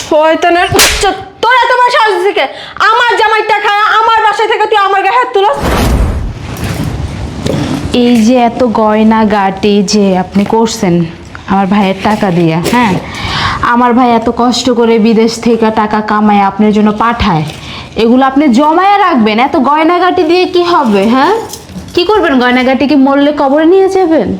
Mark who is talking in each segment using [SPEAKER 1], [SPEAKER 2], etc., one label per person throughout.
[SPEAKER 1] শয়তানের বাচ্চা, তোর এত বড় সাহস থেকে আমার জামাইটা খায় আমার বাসায় থেকে তুই আমার গায়ে হাত তুলস?
[SPEAKER 2] এই যে এত গয়না গাটি যে আপনি করছেন আমার ভাইয়ের টাকা দিয়ে, হ্যাঁ, আমার ভাই এত কষ্ট করে বিদেশ থেকে টাকা কামায় আপনার জন্য পাঠায়, এগুলো আপনি জমায়ে রাখবেন? এত গয়নাগাটি দিয়ে কি হবে? হ্যাঁ, কি করবেন? গয়নাগাটি কি মরলে কবরে নিয়ে যাবেন?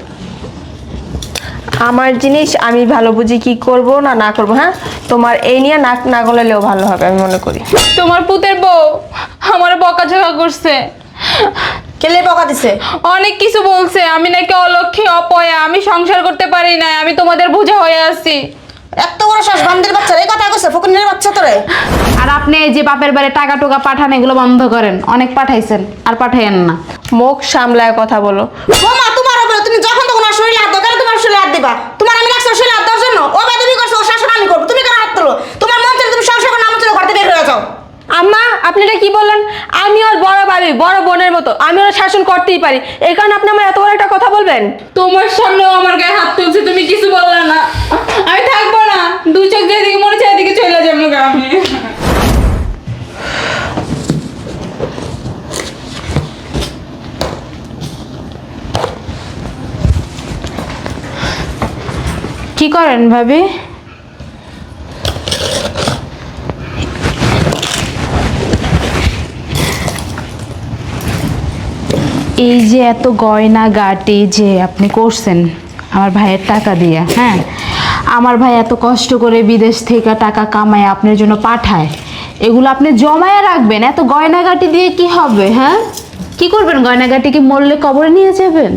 [SPEAKER 1] আমার জিনিস আমি ভালো বুঝি কি করব না না করব। হ্যাঁ, তোমার এই নিয়ে নাক না গলালেও ভালো হবে আমি মনে করি।
[SPEAKER 2] তোমার পুতের বউ আমার বকাঝকা করছে।
[SPEAKER 3] কেলে বকা দিছে?
[SPEAKER 2] অনেক কিছু বলছে, আমি নাকি অলক্ষী অপয়া, আমি সংসার করতে পারি না, আমি তোমাদের বোঝা হয়ে আছি।
[SPEAKER 3] এত বড় শ্বাস বান্দির বাচ্চা এই কথা কইছে? ফকুনের বাচ্চা তোরে।
[SPEAKER 2] আর আপনি এই যে বাপের বাড়ি টাকা টুকা পাঠান এগুলো বন্ধ করেন। অনেক পাঠাইছেন, আর পাঠাইয়েন না।
[SPEAKER 1] মুখ সামলায় কথা বলো।
[SPEAKER 3] বোমা তোমারও বলে, তুমি যখন তখন ওর শরীরে হাত দাও, কেন তোমার শরীরে হাত দিবা? তোমার আমি রাখছি ওর শরীরে হাত দেওয়ার জন্য? ও বেদবি করছে, ও শাসন আমি করবো, তুমি কেন হাত তোলো? তোমার মন চাইলে তুমি সংসার করে নাম চলে ঘর থেকে বের হয়ে যাও।
[SPEAKER 1] আম্মা, আপনি এটা কি বললেন? আমি ওর বড় ভাবি, বড় বোনের মতো, আমি ওরা শাসন করতেই পারি, এই কারণে আপনি আমার এত বড় একটা কথা বলবেন?
[SPEAKER 2] তোমার সামনেও আমার গায়ে হাত তুলছে, তুমি কিছু বললা না। আমি থাকবো না, দু চোখ যেদিকে মনে চায় এদিকে চলে যাবো আমি। কি করেন ভাবি? এই যে এত গয়না গাটি যে আপনি করছেন আমার ভাইয়ের টাকা দিয়ে, হ্যাঁ, আমার ভাই এত কষ্ট করে বিদেশ থেকে টাকা কামায় আপনার জন্য পাঠায়, এগুলো আপনি জমায়ে রাখবেন? এত গয়নাগাটি দিয়ে কি হবে? হ্যাঁ, কি করবেন? গয়নাগাটি কি মরলে কবরে নিয়ে যাবেন?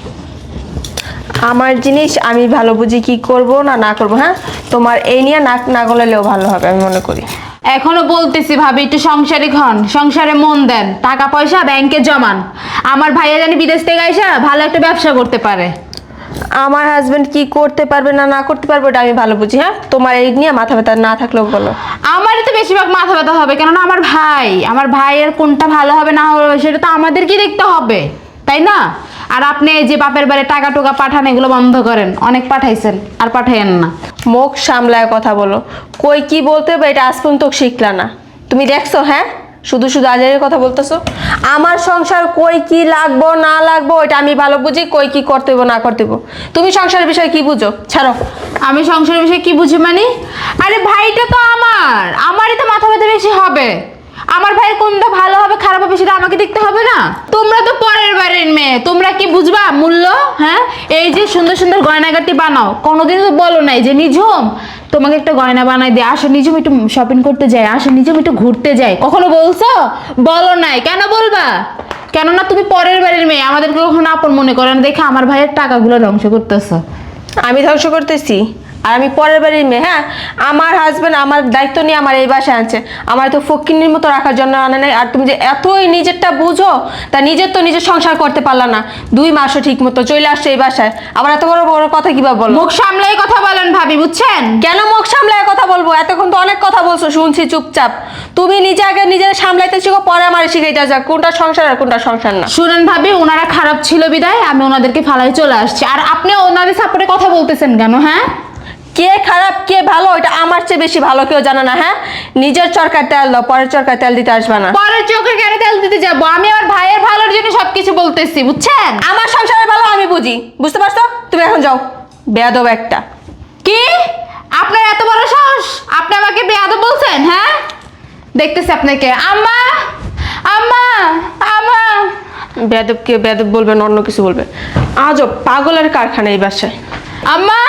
[SPEAKER 1] আমার জিনিস আমি ভালো বুঝি কি করব না না করব। হ্যাঁ, তোমার এই নিয়ে নাক না গলালেও ভালো হবে আমি মনে করি।
[SPEAKER 2] এখনো বলতেছি ভাবি, একটু সংসারিক হন, সংসারে মন দেন, টাকা পয়সা ব্যাংকে জমান। আমার ভাইয়া জানি বিদেশ থেকে আইসা ভালো একটা ব্যবসা করতে পারে।
[SPEAKER 1] আমার হাজবেন্ড কি করতে পারবে না না করতে পারবে ওটা আমি ভালো বুঝি। হ্যাঁ, তোমার এই নিয়ে মাথা ব্যথা না থাকলেও বলো।
[SPEAKER 2] আমারই তো বেশিরভাগ মাথা ব্যথা হবে, কেননা আমার ভাইয়ের কোনটা ভালো হবে না হবে সেটা তো আমাদেরকে দেখতে হবে, তাই না? আর আপনি এই যে বাপের বাড়ি টাকা টুকা পাঠান এগুলো বন্ধ করেন। অনেক পাঠাইছেন, আর পাঠাইয়েন না।
[SPEAKER 1] মুখ সামলায় কথা বলো। কই কি বলতে হবে এটা আজ পর্যন্ত শিখলা না, তুমি দেখছো? হ্যাঁ, শুধু শুধু আজারের কথা বলতেছো। আমার সংসার কই কি লাগবো না লাগবো এটা আমি ভালো বুঝি, কই কি করতে হইব না করতে হইব। তুমি সংসারের বিষয়ে কি বুঝো? ছাড়ো।
[SPEAKER 2] আমি সংসারের বিষয়ে কি বুঝি মানে? আরে ভাইটা তো আমারই তো মাথা ব্যথা বেশি হবে। আমার ভাইয়ের কোনটা ভালো হবে খারাপ হবে সেটা আমাকে দেখতে হবে না? তোমরা তো পরের বাড়ির মেয়ে, তোমরা কি বুঝবা মূল্য? হ্যাঁ, এই যে সুন্দর সুন্দর গয়নাগাটি বানাও, কোনোদিন তো বলো নাই যে নিঝুম তোমাকে একটা গয়না বানাই দিয়ে আসো, নিঝুম একটু শপিং করতে যাই, আসো নিঝুম একটু ঘুরতে যাই, কখনো বলছো? বলো নাই। কেন বলবা? কেননা তুমি পরের বাড়ির মেয়ে, আমাদেরকে কখনো আপন মনে করো না দেখে আমার ভাইয়ের টাকাগুলো ধ্বংস করতেছো।
[SPEAKER 1] আমি ধ্বংস করতেছি? আর আমি পরের বাড়ির মেয়ে? হ্যাঁ, আমার হাজবেন্ড আমার দায়িত্ব নিয়ে আমার এই বাসায় আনছে, আমার তো ফকিন্নির মতো রাখার জন্য আনে নাই। আর তুমি যে এতই নিজেরটা বুঝো, তা নিজের তো নিজের সংসার করতে পারলা না, 2 মাসও ঠিক মতো চলে আসছে এই বাসায়, আবার এত বড় বড় কথা কিভাবে বলো?
[SPEAKER 2] মুখ সামলাই কথা বলেন ভাবি, বুঝছেন?
[SPEAKER 1] কেন মুখ সামলায় কথা বলবো? এতক্ষণ তো অনেক কথা বলছো, শুনছি চুপচাপ। তুমি নিজে আগে নিজের সামলাইতে শিখো, পরে আমার শিখাইতে যাক কোনটা সংসার আর কোনটা সংসার না।
[SPEAKER 2] শুনেন ভাবি, ওনারা খারাপ ছিল বিদায় আমি ওনাদেরকে ফালাই চলে আসছি, আর আপনি ওনাদের সাপোর্টে কথা বলতেছেন কেন? হ্যাঁ,
[SPEAKER 1] কে খারাপ কে ভালো এটা আমার চেয়ে বেশি ভালো কেউ জানে না। হ্যাঁ, নিজের চরকার তেল দাও, পরের চরকার তেল দিতে আসবে না।
[SPEAKER 2] পরের চোখে কেন তেল দিতে যাবো? আমি আমার ভাইয়ের ভালোর জন্য সবকিছু বলতেছি, বুঝছেন?
[SPEAKER 1] আমার সংসারের ভালো আমি বুঝি, বুঝতে পারছো? তুমি এখন যাও, বেয়াদব একটা।
[SPEAKER 2] কি আপনার এত বড় সাহস? আপনি আমাকে বেয়াদব বলছেন? হ্যাঁ, দেখতেছি আপনাকে। আম্মা, আম্মা, আম্মা।
[SPEAKER 1] বেয়াদবকে বেয়াদব বলবে না অন্য কিছু বলবে। আজব পাগলের কারখানা এই বাসায়।
[SPEAKER 2] আম্মা,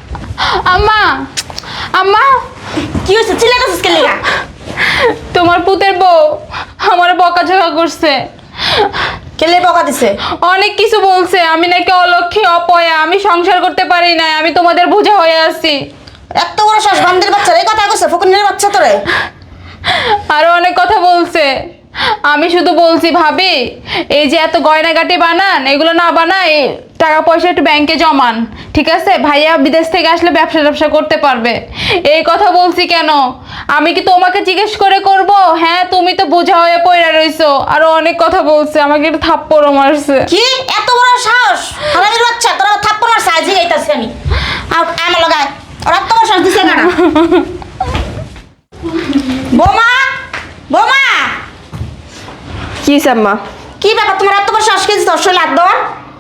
[SPEAKER 2] আম্মা, আম্মা।
[SPEAKER 3] কি হয়েছে? চিল্লাইতেছিস কেন লাগা?
[SPEAKER 2] তোমার পুতের বউ আমার বকাঝকা করছে।
[SPEAKER 3] কেলে বকা দিছে?
[SPEAKER 2] অনেক কিছু বলছে, আমি নাকি অলক্ষী অপয়া, আমি সংসার করতে পারি না, আমি তোমাদের বোঝা হয়ে আছি।
[SPEAKER 3] এত বড় শ্বাস বান্দির বাচ্চা এই কথা কইছে? ফকুনের বাচ্চা তোরে।
[SPEAKER 2] আরো অনেক কথা বলছে। আমি শুধু বলছি ভাবি, এই যে এত গয়নাগাটি বানান, এগুলো না বানাই, টাকা পয়সা একটু ব্যাংকে জমান, ঠিক আছে? ভাইয়া বিদেশ থেকে আসলে ব্যবসা ট্যাবসা করতে পারবে, এই কথা বলছি। কেন? আমি কি তোমাকে জিজ্ঞেস করে করব? হ্যাঁ, তুমি তো বোঝা হয়ে পড়ে রইছো। আরো অনেক কথা বলছে, আমাকে একটু থাপ্পড়ও মারছে।
[SPEAKER 3] কি এত বড় সাহস? হারামির বাচ্চা, তোরা থাপ্পড় মার সাজি এইতাছি আমি। আর আমার লাগায় ওরা এত বড় সাহস দিছে না? বোমা বোমা
[SPEAKER 1] কি আম্মা?
[SPEAKER 3] কি ব্যাপার তোমার এত বড় শ্বাস খেয়েছি তোর শরীরে হাত দেওয়ার?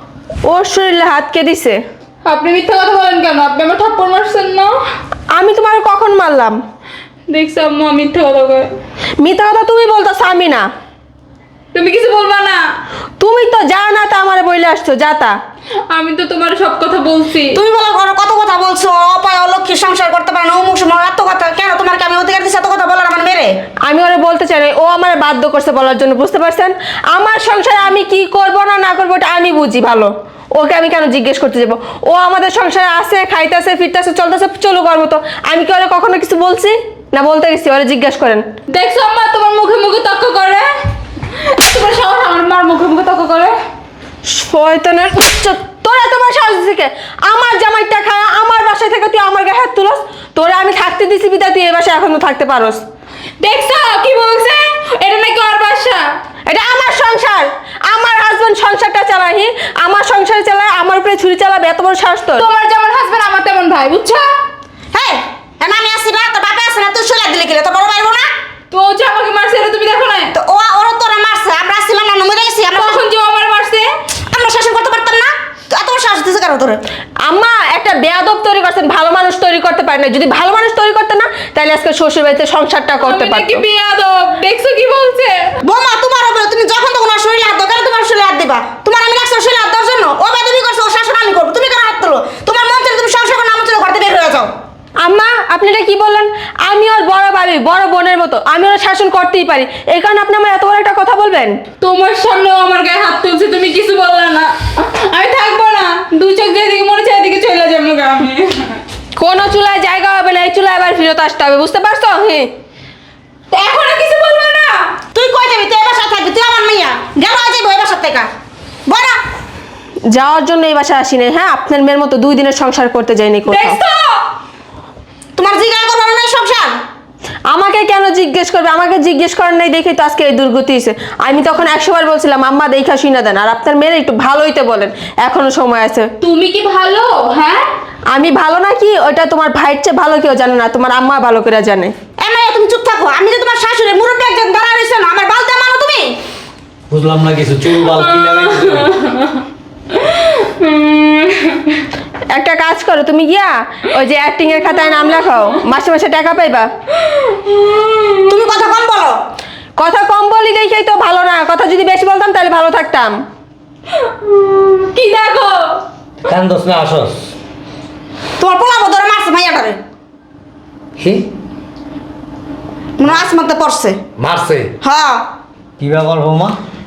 [SPEAKER 1] ওর শরীরে হাত কে দিছে?
[SPEAKER 2] আপনি মিথ্যা কথা বলেন কেন? আপনি আমার থাপ্পড় মারছেন না?
[SPEAKER 1] আমি তোমার কখন মারলাম?
[SPEAKER 2] দেখছো আম্মা মিথ্যা কথা কয়।
[SPEAKER 1] মিথ্যা কথা তুমি বলতেছো, আমি না।
[SPEAKER 2] তুমি কিছু বলবা না।
[SPEAKER 1] তুমি তো যা না তা আমারে বইলে আসছো, যা তা।
[SPEAKER 2] আমি তো তোমার সব কথা বলছি।
[SPEAKER 3] তুমি বলো ঘরে কত কথা বলছো, অপায় অলক্ষী সংসার করতে পারে না, অমুক সময় এত কথা কেন? তোমার কি আমি অধিকার দিচ্ছি এত কথা বলার আমার মেরে?
[SPEAKER 1] আমি ওরে বলতে চাই না, ও আমার বাধ্য করছে বলার জন্য, বুঝতে পারছেন? আমার সংসারে আমি কি করব না না করবো এটা আমি বুঝি ভালো। ওকে আমি কেন জিজ্ঞেস করতে যাবো? ও আমাদের সংসারে আছে, খাইতেছে, ফিরতেছে, চলতেছে, চলো করবো। তো আমি কি ওরে কখনো কিছু বলছি না? বলতে গেছি? ওরে জিজ্ঞেস করেন।
[SPEAKER 2] দেখছো আম্মা তোমার মুখে মুখে তর্ক করে? তোমার সাহস আমার মার মুখে মুখে তর্ক করে?
[SPEAKER 1] শয়তানের উচ্চ! তোরা তোমার সাহস থেকে আমার জামাইটা খায় আমার বাসায় থেকে তুই আমার গায়ে হাত তুলস? তোরা আমি থাকতে দিছি বিদা, তুই এই বাসায় এখনো থাকতে পারোস।
[SPEAKER 2] দেখছো কি বলছে? এটা নাকি ওর বাসা।
[SPEAKER 1] এটা আমার সংসার, আমার হাজবেন্ড সংসারটা চালাহি, আমার সংসার চালায়, আমার উপরে ছুরি চালাবে, এত বড় সাহস তোর?
[SPEAKER 2] তোমার যেমন হাজবেন্ড আমার তেমন ভাই, বুঝছো?
[SPEAKER 3] হ্যাঁ এখন আমি আসি না, তোর বাপে আসে না, তুই শরীরে দিলে গেলে তোর বড় ভাইবো না?
[SPEAKER 2] তো ও যে আমাকে মারছে এটা তুমি দেখো না?
[SPEAKER 3] তো ওরা তোরা মারছে, আমরা আসছিলাম না, মরে গেছি আমরা।
[SPEAKER 2] কখন যে ও আমার মারছে?
[SPEAKER 3] আমরা শাসন করতে পারতাম না? তো এত বড় সাহস দিছে কেন তোরে?
[SPEAKER 1] আম্মা একটা বেয়াদব তৈরি করছেন, ভালো মানুষ তৈরি করতে পারে না। যদি ভালো মানুষ তৈরি করতে না, তাহলে আজকে শ্বশুর বাড়িতে সংসারটা করতে
[SPEAKER 2] আমি
[SPEAKER 1] পারতো।
[SPEAKER 2] নাকি বেয়াদব? দেখছো কি বলছে?
[SPEAKER 3] বোমা তোমার হবে, তুমি যখন তখন ওর শরীরে হাত দাও কেন? তোমার শরীরে হাত দিবা? তোমার আমি রাখছি ওর শরীরে হাত দেওয়ার জন্য? ও বেদবি করছে, ওর শাসন আমি করবো, তুমি কেন হাত তোলো? তোমার মন চাইলে তুমি সংসার করো, না মন চাইলে ঘর থেকে বের হয়ে যাও।
[SPEAKER 1] আম্মা আপনি এটা কি বললেন? আমি ওর বড় ভাবি, বড় বোনের মতো, আমি ওর শাসন করতেই পারি। এই কারণে আপনি আমার এত বড় একটা কথা বলবেন?
[SPEAKER 2] তোমার সামনেও আমার গায়ে হাত তুলছে, তুমি কিছু বললা না। আমি থাকবো না, দুই চোখ যেদিকে মনে চাই এদিকে চলে যাবো গা আমি।
[SPEAKER 1] কোনো চুলায় জায়গা হবে না, এই চুলায় আবার ফিরত আসতে হবে, বুঝতে পারছো? হ্যাঁ।
[SPEAKER 2] তো এখন আর কিছু বলবো না?
[SPEAKER 3] তুই কই যাবি? তুই এ বাসায় থাকবি, তুই আমার মেয়া গেল আজ এই বাসার থেকে বড়।
[SPEAKER 1] যাওয়ার জন্য এই বাসায় আসিনি। হ্যাঁ, আপনার মেয়ের মতো 2 দিনের সংসার করতে যাইনি কোথাও।
[SPEAKER 2] দেখছো?
[SPEAKER 3] তোমার জিজ্ঞাসা করবো না এই সংসার?
[SPEAKER 1] আমাকে কেন জিজ্ঞেস করবে? আমাকে জিজ্ঞেস করেন নাই দেখেই তো আজকে এই দুর্গতি হয়েছে। আমি তখন 100 বার বলছিলাম আম্মা দেখা শুনে দেন, আর আপনার মেয়ের একটু ভালো হইতে বলেন, এখনো সময় আছে।
[SPEAKER 2] তুমি কি ভালো? হ্যাঁ
[SPEAKER 1] আমি ভালো নাকি ওটা তোমার ভাইয়ের চেয়ে ভালো কেউ জানে না, তোমার আম্মা ভালো করে জানে।
[SPEAKER 3] এ মাইয়া তুমি চুপ থাকো, আমি যে তোমার শাশুড়ি মুরব্বী একজন দাঁড়া রইছো না, আমার বালতে মানো তুমি?
[SPEAKER 4] বুঝলাম না কিছু, চুল বাল কি লাগাইছো?
[SPEAKER 1] একটা কাজ করো, তুমি গিয়া ওই যে অ্যাক্টিং এর খাতায় নাম লেখাও, মাসে মাসে টাকা পাইবা।
[SPEAKER 3] তুমি কথা কম বলো।
[SPEAKER 1] কথা কম বলি দেখেই তো ভালো না, কথা যদি বেশি বলতাম তাহলে ভালো থাকতাম।
[SPEAKER 2] কি দেখো?
[SPEAKER 4] কান্দস না আসস?
[SPEAKER 3] তোমার পোলাপো ধরে মারছে মাইয়াটারে,
[SPEAKER 4] কি
[SPEAKER 3] মনে আসমানতে পড়ছে।
[SPEAKER 4] মারছে?
[SPEAKER 3] হ্যাঁ
[SPEAKER 4] কি ব্যাপার বৌমা,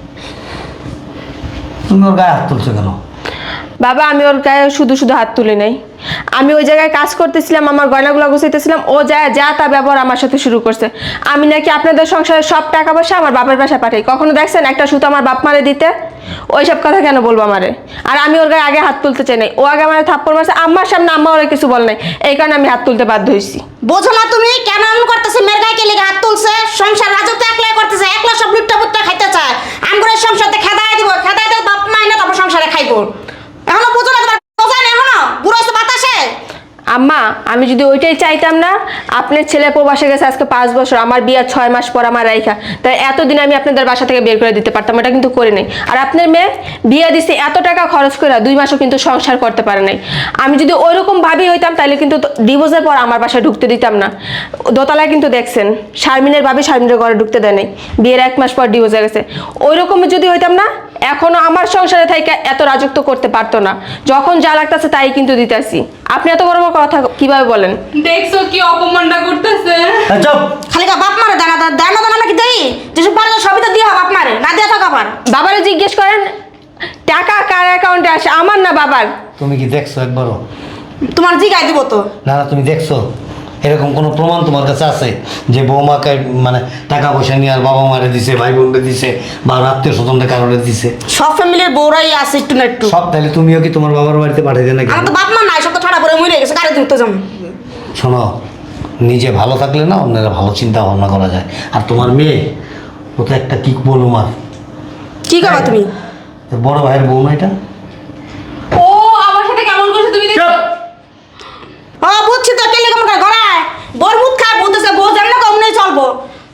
[SPEAKER 4] তুমি ওর গায়ে হাত তুলছো কেন?
[SPEAKER 1] বাবা আমি ওর গায়ে শুধু শুধু হাত তুলি নাই, আমি ওই জায়গায় কাজ করতেছিলাম, আমার গয়নাগুলো গুছাইতেছিলাম, ও যায় যা তা ব্যবহার আমার সাথে শুরু করছে। আমি নাকি আপনাদের সংসারের সব টাকা পয়সা আমার বাপের বাসা পাঠাই, কখনো দেখছেন একটা সুতো আমার বাপ মারে দিতে? ওইসব কথা কেন বলবো আমারে? আর আমি ওর গায়ে আগে হাত তুলতে চাই নাই, ও আগে আমার থাপ্পড় মারছে, আমার সামনে আম্মা ওরা কিছু বল নাই, এই কারণে আমি হাত তুলতে বাধ্য হয়েছি।
[SPEAKER 3] বোঝো না তুমি কেন এমন করতেছে? মেয়ের গায়ে কে লেগে হাত তুলছে? সংসার রাজত্ব একলাই করতেছে, একলা সব লুটটা পুট্টা খাইতে চায়। আমগুলো সংসারতে খেদায় দিব, খেদায় দিয়ে বাপ মাই না তারপর সংসারে খাইবো। এখনো বোঝো না? তোমার বোঝা নেই এখনো? বুড়ো হয়েছে বাতাসে।
[SPEAKER 1] আম্মা আমি যদি ওইটাই চাইতাম না, আপনার ছেলে প্রবাসে গেছে আজকে 5 বছর, আমার বিয়ে 6 মাস পর আমার রাইখা, তাই এতদিন আমি আপনাদের বাসা থেকে বের করে দিতে পারতাম, এটা কিন্তু করে নেই। আর আপনার মেয়ে বিয়ে দিছে এত টাকা খরচ করে 2 মাসও কিন্তু সংসার করতে পারে নাই। আমি যদি ওইরকম ভাবি হইতাম তাহলে কিন্তু ডিভোর্সের পর আমার বাসায় ঢুকতে দিতাম না। দোতলায় কিন্তু দেখছেন শারমিনের ভাবি শারমিনের ঘরে ঢুকতে দেয় নাই, বিয়ের 1 মাস পর ডিভোর্স হয়ে গেছে। ওইরকম যদি হইতাম না, এখনো আমার সংসারে থেকে এত রাজত্ব করতে পারতো না। যখন যা লাগতেছে তাই কিন্তু দিতেছি। আপনি এত বড় বড় কথা কিভাবে বলেন?
[SPEAKER 2] দেখছো কি অপমানটা করতেছে?
[SPEAKER 4] চুপ!
[SPEAKER 3] খালি বাপ মারে দানা দানা দানা নাকি দেই? যেসব পারে সবই তো দিয়ে বাপ মারে, না দিয়ে থাকা পার।
[SPEAKER 1] বাবারে জিজ্ঞেস করেন টাকা কার অ্যাকাউন্টে আসে, আমার না বাবার।
[SPEAKER 4] তুমি কি দেখছো একবারও?
[SPEAKER 3] তোমার জিগাই দিব তো।
[SPEAKER 4] না না, তুমি দেখছো? এরকম কোনো প্রমাণ তোমার কাছে আছে যে বৌমাকে মানে টাকা পয়সা নিয়ে আর বাবা মারে দিছে, ভাই বোনকে দিছে, বা আত্মীয় স্বজনকে কারণে দিছে?
[SPEAKER 3] সব ফ্যামিলির বউরাই আছে একটু না একটু।
[SPEAKER 4] সব তাহলে তুমিও কি তোমার বাবার বাড়িতে পাঠাইতে নাকি?
[SPEAKER 3] আমার তো বাপ মা নাই, সব তো ঠাড়া পরে মরে গেছে, কারে দিতে যাম?
[SPEAKER 4] শোনো, নিজে ভালো থাকলে না অন্যেরা ভালো চিন্তা ভাবনা করা যায়। আর তোমার মেয়ে, ও তো একটা কি বলো মার,
[SPEAKER 3] কি করো তুমি?
[SPEAKER 4] তোর বড় ভাইয়ের বউ না এটা?
[SPEAKER 2] ও আমার সাথে কেমন করছে তুমি দেখছো?
[SPEAKER 3] ও বুঝছি তো, কেলে কেমন করে গড়ায় বরমুদ খায় বলতেছে বউ জানে না কমনে চলবো।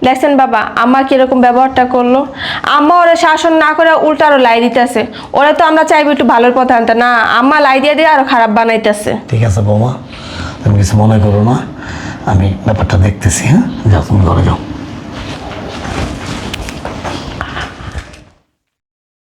[SPEAKER 1] দেখছেন বাবা আম্মা কিরকম ব্যবহারটা করলো, আম্মা ওরা শাসন না করে উল্টা আরো লাই দিতেছে। ওরা তো আমরা চাইবো একটু ভালোর পথে আনতে, না আম্মা লাই দিয়ে দিয়ে আরো খারাপ বানাইতেছে।
[SPEAKER 4] ঠিক আছে বৌমা, তুমি কিছু মনে করো না, আমি ব্যাপারটা দেখতেছি। হ্যাঁ, যাও তুমি ঘরে যাও।